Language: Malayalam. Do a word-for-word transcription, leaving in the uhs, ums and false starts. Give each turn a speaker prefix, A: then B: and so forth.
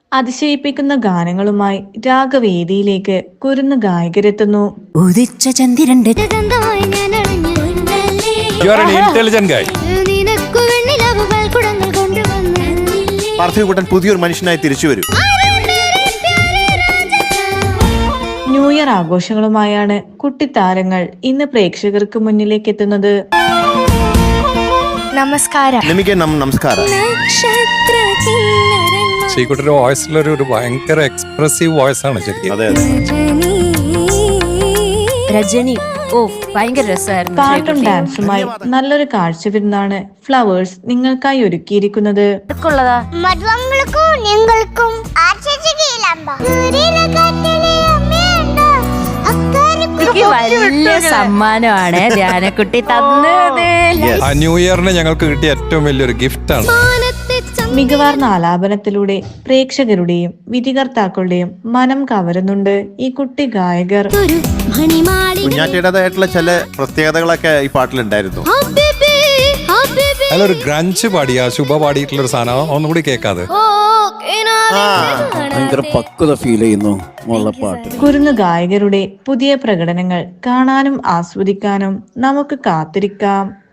A: അതിശയിപ്പിക്കുന്ന ഗാനങ്ങളുമായി രാഗവേദിയിലേക്ക് കുരുന്ന് ഗായകരെത്തുന്നു.
B: ഉദിച്ച ചന്ദ്രന്റെ
C: പാർത്ഥിവക്കുട്ടൻ പുതിയൊരു മനുഷ്യനായി തിരിച്ചു വരും.
A: ന്യൂ ഇയർ ആഘോഷങ്ങളുമായാണ് കുട്ടിത്താരങ്ങൾ ഇന്ന് പ്രേക്ഷകർക്ക് മുന്നിലേക്ക് എത്തുന്നത്.
B: നമസ്കാരം.
C: നമസ്കാരം.
D: ശ്രീകുട്ടിയുടെ വോയിസിലൊരു ഒരു ഭയങ്കര എക്സ്പ്രസീവ് വോയിസ് ആണ് ശരിക്കും.
C: അതെ അതെ.
B: രജനി ഓ ഭയങ്കര രസമായിരുന്നു.
A: പാട്ടും ഡാൻസുമായി നല്ലൊരു കാഴ്ചവിരുന്നാണ് ഫ്ലവേഴ്സ് നിങ്ങൾക്കായി ഒരുക്കിയിരിക്കുന്നത്.
B: വലിയ സമ്മാനമാണ് ധ്യാനക്കുട്ടി തന്നത്.
D: ആ ന്യൂ ഇയറിന് ഞങ്ങൾക്ക് കിട്ടിയ ഏറ്റവും വലിയൊരു ഗിഫ്റ്റ് ആണ്.
A: മികവാർന്ന ആലാപനത്തിലൂടെ പ്രേക്ഷകരുടെയും വിധികർത്താക്കളുടെയും മനം കവരുന്നുണ്ട് ഈ കുട്ടി ഗായകർ.
C: കുഞ്ഞാറ്റയുടേതായിട്ടുള്ള ചില പ്രത്യേകതകളൊക്കെ ഈ പാട്ടിലുണ്ടായിരുന്നു.
D: അതിലൊരു ഗ്രഞ്ച് പാടിയ ശുഭ പാടിയിട്ടുള്ള ഒരു സാധനം ഒന്നുകൂടി കേൾക്കാതെ
E: ഭയങ്കര പക്വത ഫീൽ ചെയ്യുന്നു പാട്ട്.
A: കുരുന്ന് ഗായകരുടെ പുതിയ പ്രകടനങ്ങൾ കാണാനും ആസ്വദിക്കാനും നമുക്ക് കാത്തിരിക്കാം.